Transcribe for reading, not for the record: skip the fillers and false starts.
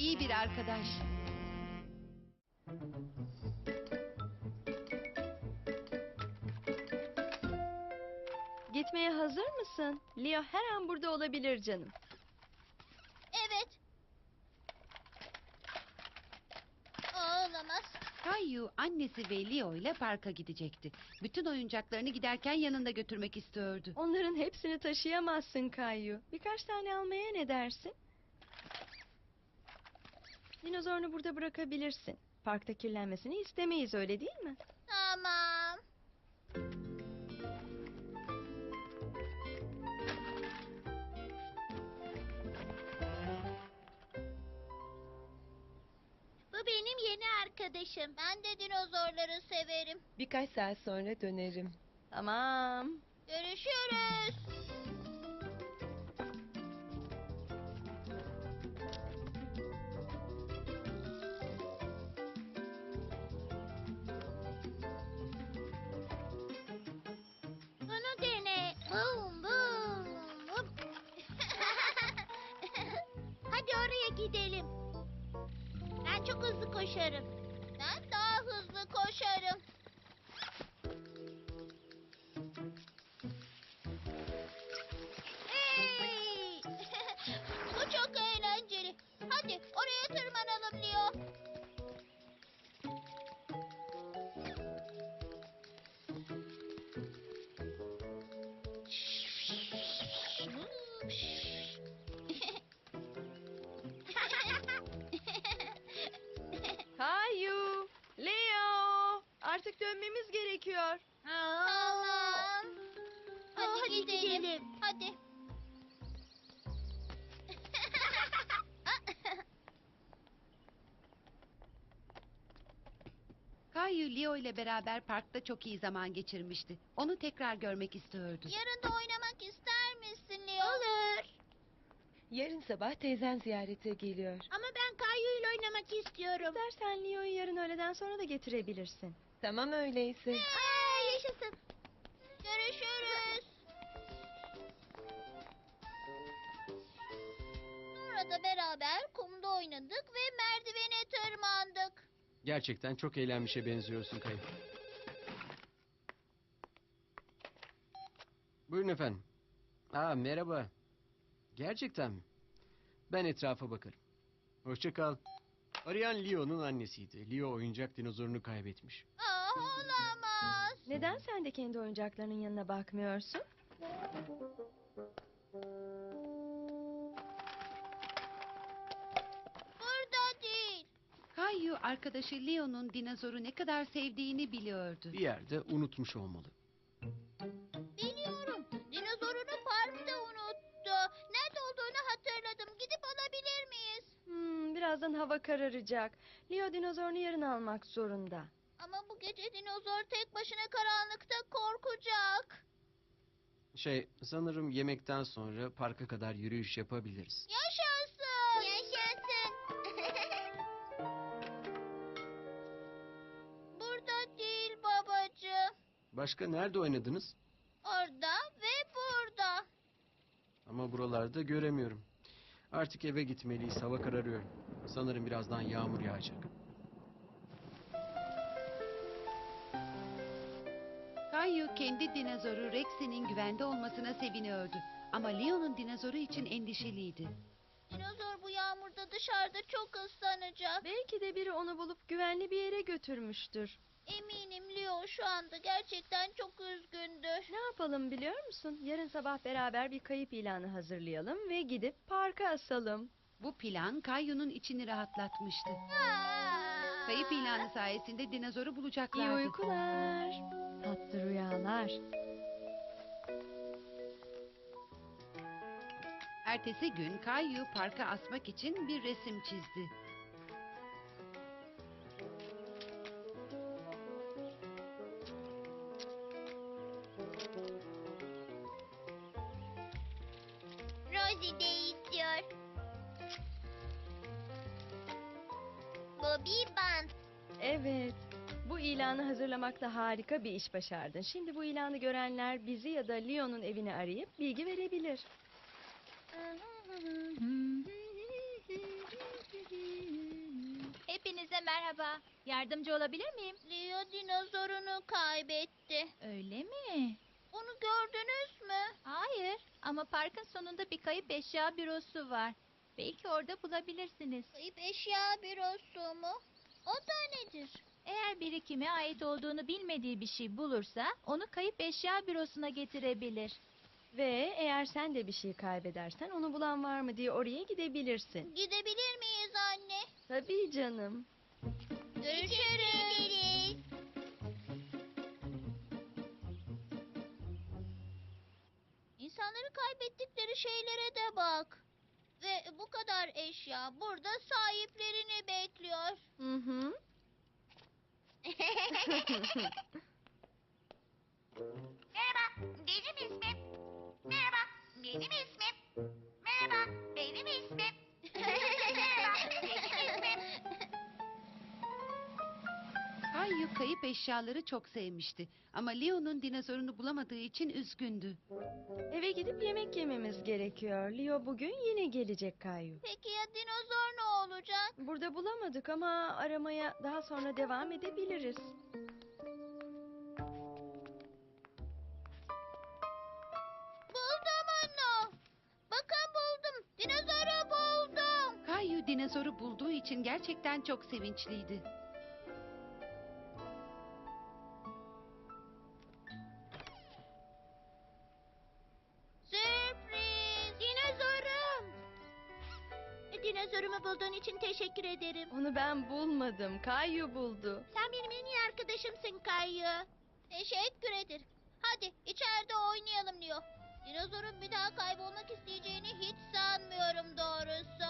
iyi bir arkadaş. Gitmeye hazır mısın? Leo her an burada olabilir canım. Evet. Olamaz. Kayu annesi ve Leo ile parka gidecekti. Bütün oyuncaklarını giderken yanında götürmek istiyordu. Onların hepsini taşıyamazsın Kayu. Birkaç tane almaya ne dersin? Dinozorunu burada bırakabilirsin. Parkta kirlenmesini istemeyiz, öyle değil mi? Tamam. Bu benim yeni arkadaşım. Ben de dinozorları severim. Birkaç saat sonra dönerim. Tamam. Görüşürüz. Bunu dene. Bum bum bum. Hadi oraya gidelim. Ben çok hızlı koşarım. Ben daha hızlı koşarım. Hey! Bu çok eğlenceli. Hadi oraya tırmanalım Leo. Kayu, Leo, artık dönmemiz gerekiyor. Tamam. Hadi gidelim. Hadi. Kayu Leo ile beraber parkta çok iyi zaman geçirmişti. Onu tekrar görmek istiyordu. Yarın da oynamak ister misin Leo? Olur. Yarın sabah teyzen ziyarete geliyor. Ama ben Kayu ile oynamak istiyorum. İstersen Leo'yu yarın öğleden sonra da getirebilirsin. Tamam öyleyse. Yaşasın. Görüşürüz. Sonra da beraber kumda oynadık ve merdivene tırmandık. Gerçekten çok eğlenmişe benziyorsun Kayı. Buyurun efendim. Merhaba. Gerçekten mi? Ben etrafa bakarım. Hoşça kal. Arayan Leo'nun annesiydi. Leo oyuncak dinozorunu kaybetmiş. Olamaz. Neden sen de kendi oyuncaklarının yanına bakmıyorsun? Burada değil. Kayu arkadaşı Leo'nun dinozoru ne kadar sevdiğini biliyordu. Bir yerde unutmuş olmalı. Biliyorum. Dinozorunu parkta unuttu. Nerede olduğunu hatırladım. Gidip alabilir miyiz? Birazdan hava kararacak. Leo dinozorunu yarın almak zorunda. Ama bu gece dinozor tek başına karanlıkta korkacak. Sanırım yemekten sonra parka kadar yürüyüş yapabiliriz. Yaşasın. Yaşasın. Burada değil babacığım. Başka nerede oynadınız? Orada ve burada. Ama buralarda göremiyorum. Artık eve gitmeliyiz. Hava kararıyor. Sanırım birazdan yağmur yağacak. Kayu kendi dinozoru Rex'inin güvende olmasına seviniyordu. Ama Leo'nun dinozoru için endişeliydi. Dinozor bu yağmurda dışarıda çok ıslanacak. Belki de biri onu bulup güvenli bir yere götürmüştür. Eminim Leo şu anda gerçekten çok üzgündür. Ne yapalım biliyor musun? Yarın sabah beraber bir kayıp ilanı hazırlayalım ve gidip parka asalım. Bu plan Kayu'nun içini rahatlatmıştı. Aa! Kayıp ilanı sayesinde dinozoru İyi bulacaklardı. uykular, tatlı rüyalar. Ertesi gün Kayu parka asmak için bir resim çizdi. Rosie de istiyor. Bobby Band. Evet, bu ilanı hazırlamakta harika bir iş başardın. Şimdi bu ilanı görenler bizi ya da Leo'nun evini arayıp bilgi verebilir. Merhaba. Yardımcı olabilir miyim? Leo dinozorunu kaybetti. Öyle mi? Onu gördünüz mü? Hayır ama parkın sonunda bir kayıp eşya bürosu var. Belki orada bulabilirsiniz. Kayıp eşya bürosu mu? O da nedir? Eğer biri kime ait olduğunu bilmediği bir şey bulursa onu kayıp eşya bürosuna getirebilir. Ve eğer sen de bir şey kaybedersen onu bulan var mı diye oraya gidebilirsin. Gidebilir miyiz anne? Tabii canım. Görüşürüz. İnsanları kaybettikleri şeylere de bak. Ve bu kadar eşya burada sahiplerini bekliyor. Hı hı. Merhaba, benim ismim. Merhaba, benim ismim. Merhaba, benim ismim. Merhaba, benim ismim. Kayu kayıp eşyaları çok sevmişti. Ama Leo'nun dinozorunu bulamadığı için üzgündü. Eve gidip yemek yememiz gerekiyor. Leo bugün yine gelecek Kayu. Peki ya dinozor ne olacak? Burada bulamadık ama aramaya daha sonra devam edebiliriz. Buldum onu. Bakın buldum. Dinozoru buldum. Kayu dinozoru bulduğu için gerçekten çok sevinçliydi. Sürpriz. Dinozorum. Dinozorumu bulduğun için teşekkür ederim. Onu ben bulmadım. Kayu buldu. Sen benim en iyi arkadaşımsın Kayı. Teşekkür ederim. Hadi içeride oynayalım diyor. Dinozorun bir daha kaybolmak isteyeceğini hiç sanmıyorum doğrusu.